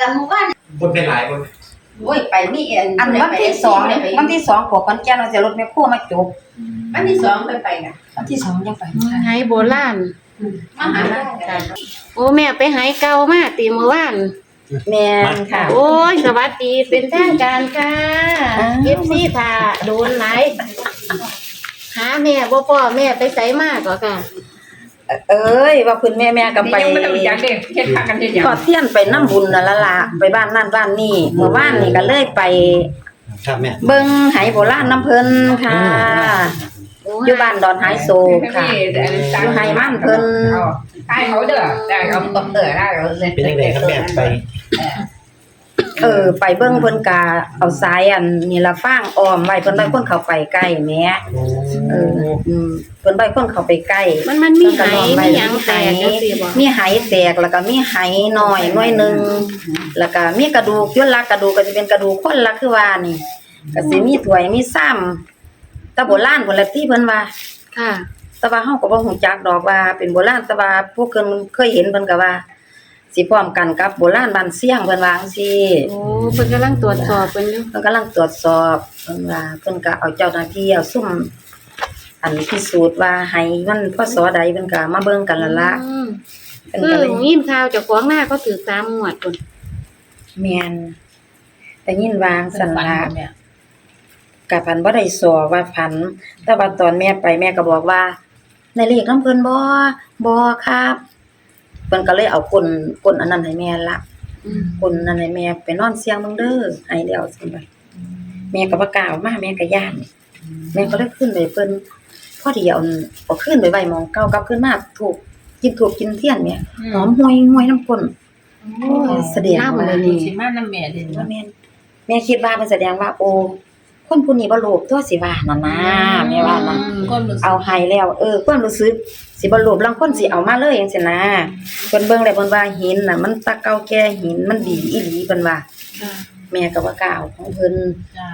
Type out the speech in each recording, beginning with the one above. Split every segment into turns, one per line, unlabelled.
กันเมื่อวาน
คนเป็นหลายคน
โอ้ยไปมี
อันวันที่สองวันที่2พวกขอนแก่นเราจะรถแม่ครัวมาจบ
วันที่2ไปน่ะ
วันที่2ยังไป
หายโบราณ
มาหา
ค่ะโอ้แม่ไปหายเก่ามาตีเมื่อวาน
แม่นค่ะ
โอ้ยสวัสดีเป็นทางการค่ะFCท่าโดนหลายหาแม่บ่พ่อแม่ไปไสมาก็ค่ะ
เอ้ยว่าคุณแม่ก็ไป
ยังบ่รู้จักเด้เฮ็ดพากันเฮ็ดหยัง
ขอเทียนไปนำบุญนั่นล่ะไปบ้านนั่นบ้านนี่เมื่อวานนี่ก็เลยไป
ครับแม่
เบิ่งไหโบราณน้ำเพิ่นค่ะอยู่บ้านดอนไหโศกค่ะอยู่ไหมั่นเพิ่น
ให้เขาเด้อได้เอาเด้อได้เอาเลย
เป็นจังได๋ครับแม่ไป
ไปเบิ่งเพิ่นก็เอาสายอันนี่ละฟางอ้อมไว้เพิ่นบ่คนเข้าไปใกล้แหมเพิ่นบ่คนเข้าไปใกล้
มันมีไหมีหยังแตกจังซี่บ่
มีไหแตกแล้วก็มีไหน้อยหน่อยนึงแล้วก็มีกระดูกย้อนหลักกระดูกก็สิเป็นกระดูกคนละคือว่านี่ก็สิมีถ้วยมีซ้ำแต่โบราณพุ่นละที่เพิ่นว่า
ค่ะ
แต่ว่าเฮาก็บ่ฮู้จักดอกว่าเป็นโบราณแต่ว่าพวกเพิ่นเคยเห็นเพิ่นก็ว่าสิพร้อมกันกับโบราณบ้านเสียงเพิ่นว่าจังซี่
โอ้เพิ่นกำลังตรวจสอบเพิ่นอยู่
เพิ่นกำลังตรวจสอบเพิ่นว่าเพิ่นก็เอาเจ้าหน้าที่เอาซุ่มอันพิสูจน์ว่าให้มันพศใดเพิ่นก็มาเบิ่งกันละละ
เพิ่นก็เลยยินข่าวเจ้าของหน้าเขาถือ3งวดพุ่น
แม่นได้ยินวางสั่นล่ะก็พันบ่ได้สอว่าพันแต่ว่าตอนแม่ไปแม่ก็บอกว่าในเลขนำเพิ่นบ่ครับเพิ่นก็เลยเอาก้นอันนั้นให้แม่ละก้นนั้นให้แม่ไปนอนเสียงเบิ่งเด้อให้แล้วซั่นว่าแม่ก็บ่กล้าออกมาแม่ก็ย้านแม่ก็เลยขึ้นไปเพิ่นพอดีเอาขึ้นไปไว้หม้องเก่ากลับขึ้นมาถูกกินเทียนแม่หอมห่วยน้ำก้นโอ้ยแสดงว่า
นี่สิมานำแม่เด้
ว่าแม่คิดว่าเพิ่นแสดงว่าโอ้คนผู้นี้บ่โลภตัวสิว่านั่นนะแม่ว่านั่นเอาให้แล้วความรู้สึกสิบ่โลภลางคนสิเอามาเลยจังซี่นะเพิ่นเบิ่งแล้วเพิ่นว่าหินน่ะมันตะเก่าแก่หินมันดีอีหลีเพิ่นว่าแม่ก็บ่กล้าเอาของเพิ่นจ้า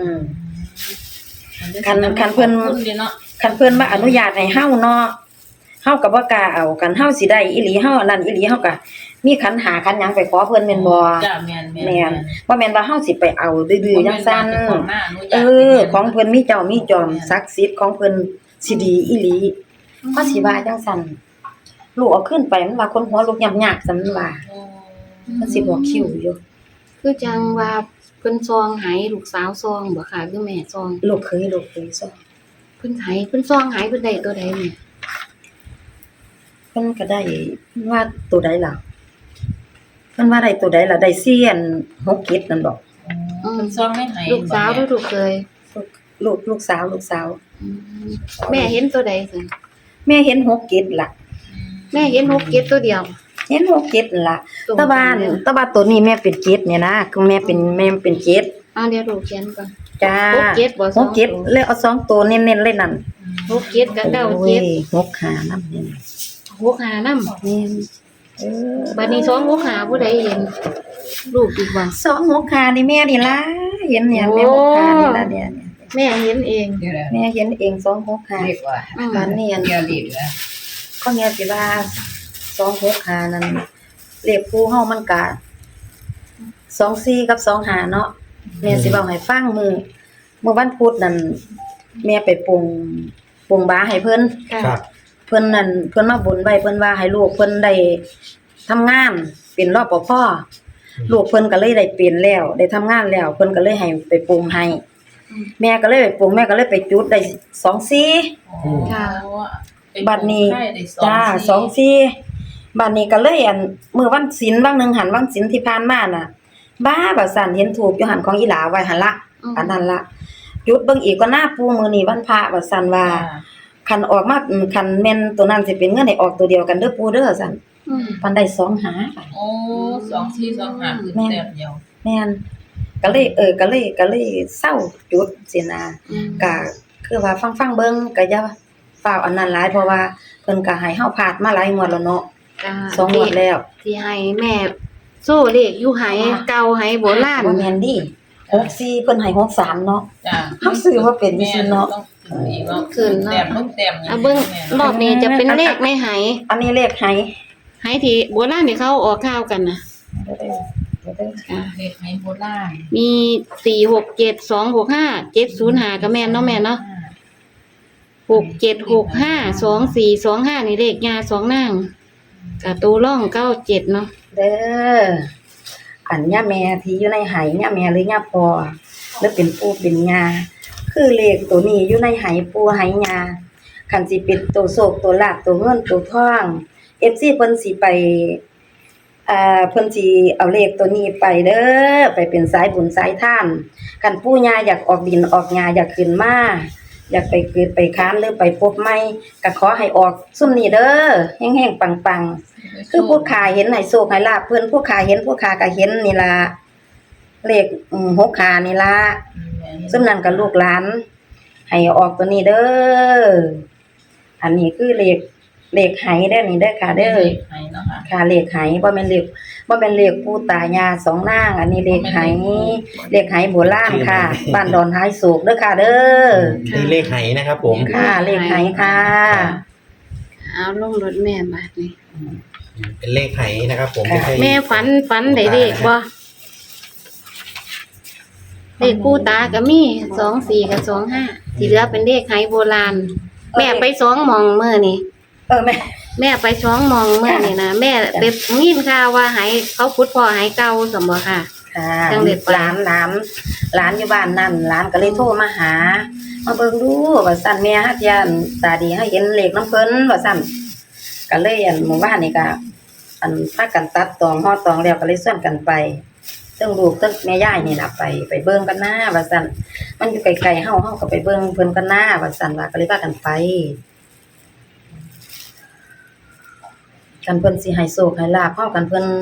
คันเพิ่นมาอนุญาตให้เฮาเนาะเฮาก็บ่กล้าเอากันเฮาสิได้อีหลีเฮานั่นอีหลีเฮาก็มีขันหาขันหยังไปขอเพิ่นแม่นบ่
จ้าแม่น
บ่แม่นว่าเฮาสิไปเอาดื้อๆจังซั่นของเพิ่นมีเจ้ามีจอมศักดิ์สิทธิ์ของเพิ่นสิดีอีหลีก็สิว่าจังซั่นลูกเอาขึ้นไปมันว่าคนหัวลุกยากๆซั่นว่ามันสิบอกคิวอยู่
คือจังว่าเพิ่นซองหายลูกสาวซองบ่ค่ะคือแม่ซอง
ลูกเคยซอง
เพิ่นหายเพิ่นซองหายเพิ่นได้ตัวใดแม่
เพิ่นก็ได้ว่าตัวใดล่ะเพิ่นว่าได้ตัวใดล่ะได้เสียน6เก็ดนั่นบ่
เพิ่นซองไม่หาย
ลูกสาวหรือลูกเคย
ลูกสาว
แม่เห็นตัวใดซั่น
แม่เห็น6เก็ดล่ะ
แม่เห็น6เก็ดตัวเดียว
เห็น6เก็ดล่ะตะบ้านตัวนี้แม่เป็นเก็ดเนี่ยนะคือแม่เป็นเก็ด
เดี๋ยวลูกเขียนก่อน
จ้า
6เก็ดบ่
6เก็ดแล้วเอา2ตัวเน้นๆเลยนั่น
6เก็ดกับ9เก็ด
6หานำนี่
6หานำ
นี่
บัดนี้2 6หาผู้ใดเห็นลูกอีกบ่
2 6หานี่แม่นี่ล่ะเห็นเนี่ยแม่6หานี่ล่ะเนี่ย
แม่เห็นเอง
แม่เห็นเอง2 6หาบัดนี้อันเดียวดีแล้วก็แม่สิว่า2 6หานั่นเลขผู้เฮามันก็24กับ2หาเนาะแม่สิเว้าให้ฟังมื้อวันพุธนั่นแม่ไปปรุงบาให้เพิ่น
ครับ
เพิ่นนั่นเพิ่นมาบนไว้เพิ่นว่าให้ลูกเพิ่นได้ทำงานเป็นรปภ.ลูกเพิ่นก็เลยได้เป็นแล้วได้ทำงานแล้วเพิ่นก็เลยให้ไปปรุงให้แม่ก็เลยไปปรุงแม่ก็เลยไปจุดได้24
ค่ะ
บัดนี้จ้า24บัดนี้ก็เลยมื้อวันศีลบางนึงหันวันศีลที่ผ่านมาน่ะบ้าบ่สั่นเห็นถูกอยู่หันของอีหลาไว้หั่นละอันนั้นละจุดเบิ่งอีกก็หน้าปูมื้อนี้วันพระบ่สั่นว่าคันออกมาคันแม่นตัวนั้นสิเป็นเงินให้ออกตัวเดียวกันเด้อปู่เด้อซั่นปานได้2หา
โอ้2 4 2 5คือแต้มเดียว
แม่นก็เลยก็เลยเศร้าจุดสินะก็คือว่าฟังเบิ่งก็อย่าฟ้าวอันนั้นหลายเพราะว่าเพิ่นก็ให้เฮาพลาดมาหลายงวดแล้วเนาะ2งวดแล้ว
สิให้แม่โซ่เลขอยู่ไหเก่าไหโบราณ
บ่แม่นดิ64เพิ่นให้63เนาะ
จ้ะ
เฮาซื้อว่าเป็นซื่อเนาะ
ขึ้นเนาะเบิ่งรอบนี้จะเป็นเลขในไห
อันนี้เลขไห
ที่โบราณที่เขาออกข่าวกันน่ะ
ตัวเด้อ
เลขไหโบราณ
มี467 265 705ก็แม่นเนาะแม่เนาะ6765 2425นี่เลขยาสองนางก็ตัวร่อง97เนาะ
เด้ออันย่าแม่ที่อยู่ในไหย่าแม่หรือย่าพ่อหรือเป็นปู่เป็นย่าคือเลขตัวนี้อยู่ในไหปู่ไหย่าคันสิเป็นตัวโชคตัวลาภตัวเงินตัวทอง FC เพิ่นสิไปเพิ่นสิเอาเลขตัวนี้ไปเด้อไปเป็นสายบุญสายทานคันปู่ย่าอยากออกดินออกหญ้าอยากขึ้นมาอยากไปเกิดไปค้านหรือไปพบใหม่ก็ขอให้ออกซุมนี้เด้อแฮ่งๆปังๆคือผู้ขาเห็นให้โชคให้ลาภเพิ่นผู้ขาเห็นผู้ขาก็เห็นนี่ล่ะเลข6ขานี่ล่ะซุมนั้นก็ลูกหลานให้ออกตัวนี้เด้ออันนี้คือเลขไหเด้อนี่เด้อค่ะเด้อ
เลขไหเนาะค่ะ
ค่ะเลขไหบ่แม่นเลขปู่ตายาสองนางอันนี้เลขไหโบราณค่ะบ้านดอนท้ายโศกเด้อค่ะเด้อ
นี่เลขไหนะครับผม
ค่ะเลขไหค่ะ
เอาลงรถแม่บาดนี้
เป็นเลขไหนะครับผมไม่ใช่
แม่ฝันได้เลขบ่เลขปู่ตาก็มี24กับ25ที่เหลือเป็นเลขไหโบราณแม่ไป2หม่องมื้อนี่
แม่
ไป2หม่องมื้อนี่นะแม่ไปยินข่าวว่าไหเขาขุดพ่อไหเก่าซั่นบ่ค่ะ
ค่ะ
จังเด็ด
หลานอยู่บ้านนั่นหลานก็เลยโทรมาหามาเบิ่งดูว่าซั่นแม่ฮักยานตาดีให้เห็นเลขน้ำเพิ่นว่าซั่นก็เลยหมู่บ้านนี่ก็พากันตัดตองฮอดตองแล้วก็เลยชวนกันไปซึ่งลูกซึ่งแม่ยายนี่ล่ะไปเบิ่งกันหน้าว่าซั่นมันอยู่ไกลๆเฮาก็ไปเบิ่งเพิ่นกันหน้าว่าซั่นว่าก็เลยพากันไปกันเพิ่นสิให้โชคให้ลาภเฮากันเพิ่น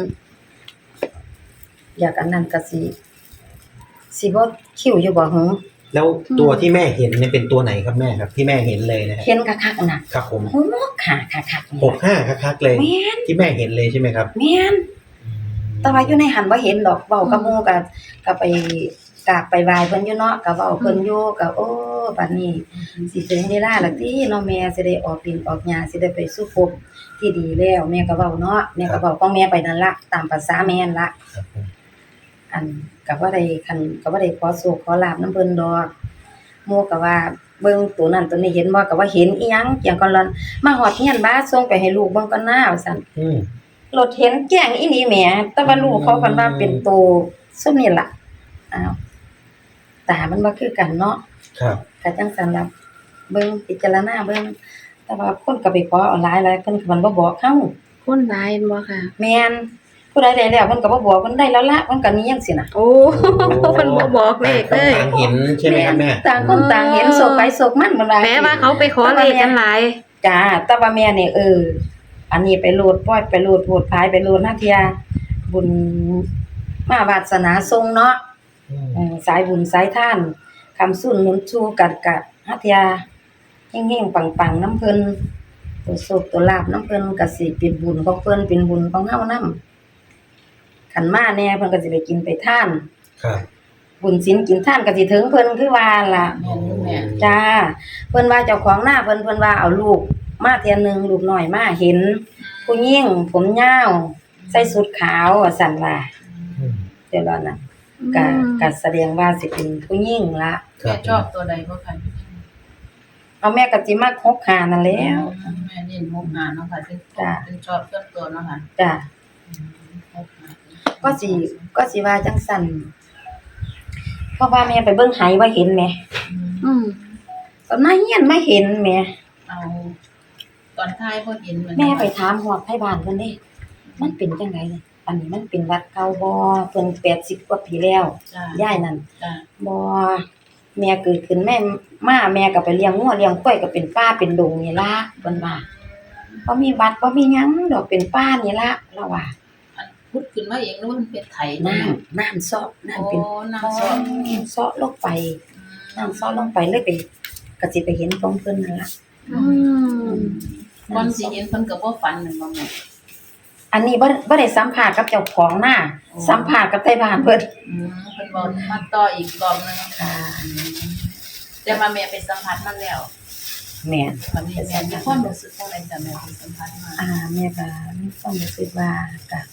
อยากอันนั้นก็สิบ่คิวอยู่บ่หึ
แล้วตัวที่แม่เห็นเนี่ยเป็นตัวไหนครับแม่ครับ ที่แม่เห็นเลยนะครับ
เห็นคักๆน่ะ
ครับผม
โอ้ค่ะคักๆนี่
65คักๆเลย
แม่น
ที่แม่เห็นเลยใช่ไหมครับ
แม่นแต่ว่าอยู่ในหันบ่เห็นดอกเว้ากับหมู่ก็ไปกราบไปไหว้เพิ่นอยู่เนาะก็เว้าเพิ่นอยู่ก็โอ้บัดนี้สิถึงเวลาแล้วติเนาะแม่สิได้ออกดินออกหญ้าสิได้ไปสู่ภพที่ดีแล้วแม่ก็เว้าเนาะแม่ก็เว้าของแม่ไปนั่นล่ะตามภาษาแม่นล่ะ
ครับผม
อันก็บ่ได้ก็บ่ได้ขอโชคขอลาภนำเพิ่นดอกหมู่ก็ว่าเบิ่งตัวนั้นตัวนี้เห็นบ่ก็ว่าเห็นอีหยังเกี่ยงก่อนล่ะมาฮอดเฮียนบ้าส่งไปให้ลูกเบิ่งก่อนนะว่าซั่น รถเห็นแจ้งอีหลีแหมแต่ว่าลูกเขาเพิ่นว่าเป็นโตซุมนี่ล่ะอ้าวตามันบ่คือกันเนาะ
ครับ
ก็จังซั่นล่ะเบิ่งพิจารณาเบิ่งแต่ว่าคนก็ไปขอเอาหลายๆเพิ่นก็มันบ่บอกเฮา
คนหลายบ่ค่ะ
แม่นผู้ใดได้แล้วเพิ่นก็บ่บอกเพิ่นได้แล้วล่ะเพิ่นก็หนี้จังซี่น่ะ
โอ้ เพิ่นบ่บอกเลขเลย
ต่างเห็นใช่ไหมครับแม่
ต่างคนต่างเห็นโศกไปโศกมันเพิ่นว่า
แปลว่าเขาไปขอเลขกันหลาย
จ้าแต่ว่าแม่นี่อันนี้ไปโลดปล่อยไปโลดโพดพายไปโลดหน้าเที่ยบุญมาวาสนาทรงเนาะ สายบุญสายท่านคำสุนหนุนชูกัดกะหาเทียเฮงๆปังๆน้ำเพิ่นตัวโศกตัวลาบน้ำเพิ่นก็สิเป็นบุญของเพิ่นเป็นบุญของเฮานำขันมาแน่เพิ่นก็สิไปกินไปทาน
ครับ
บุญศีลกินทานก็สิถึงเพิ่นคือว่าล่ะ
แม่นอยู่แม่
จ้าเพิ่นว่าเจ้าของหน้าเพิ่นว่าเอาลูกมาเที่ยนึงลูกน้อยมาเห็น ผู้หญิงผมยาวใส่สุดขาวว่าซั่นว่าเดี๋ยวรอนะก็แสดงว่าสิเป็นผู้หญิงละ
ครั
แม่
บ
ชอบตัวใดบ่ค่ะ
เอาแม่ก็สิมัก6หานั่นแหล้ว
แม่เน้นมุกหาเนาะค่ะเป็นชอบส่วนตัวเนาะค่ะ
จ้ะ
มุกหา
ก็สิว่าจังซั่นเพราะว่าแม่ไปเบิ่งไหว่าเห็นแหม
อืม
ตอนหน้าเฮียนมาเห็นแหม
เอาตอนท้ายบ่เห็นเหมือน
แม่ไปถามฮอดไผบ้านเพิ่นเด้มันเป็นจังไดเนี่ยอันนี้มันเป็นวัดเก่าบ่เพิ่น80กว่าปีแล้ว
จ้า
ย้ายนั่น
จ้า
บ่แม่เกิดขึ้นแม่ก็ไปเลี้ยงงัวเลี้ยงควายก็เป็นป่าเป็นดงนี่ล่ะเพิ่นว่าบ่มีวัดบ่มีหยังดอกเป็นป่านี่ล่ะเราว่า
พุดขึ้นมาเองหรือว่ามันเป็นไถ
น้ำเซาะน้ำ
โอ้
เป็น
น้ำซอส
เซาะลงไปน้ำเซาะลงไปเลยไปก็สิไปเห็นของเพิ่นนั่นล่ะ
อืม
ก่อนสิเห็นเพิ่นก็บ่ฝันนั่นบ่แม่
อันนี้บ่ได้สัมภาษณ์กับเจ้าของหน้าสัมภาษณ์กับไทบ้านเพิ่น
เพิ่นบอกมาต่ออีกรอบนึง
ค่ะ
แต่มาแม่ไปสัมผัสมันแล้ว
แม่น
วันนี้แม่มีความรู้สึกจังได๋จ้ะแม่ไปสัมผัสมา
แม่ก็มีความรู้สึกว่าก็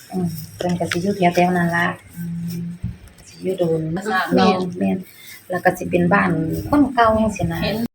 เพิ่นก็สิอยู่แถวๆนั้นล่ะสิอยู่โดน
ทราบ
แม่นแล้วก็สิเป็นบ้านคนเก่าจังซี่นะ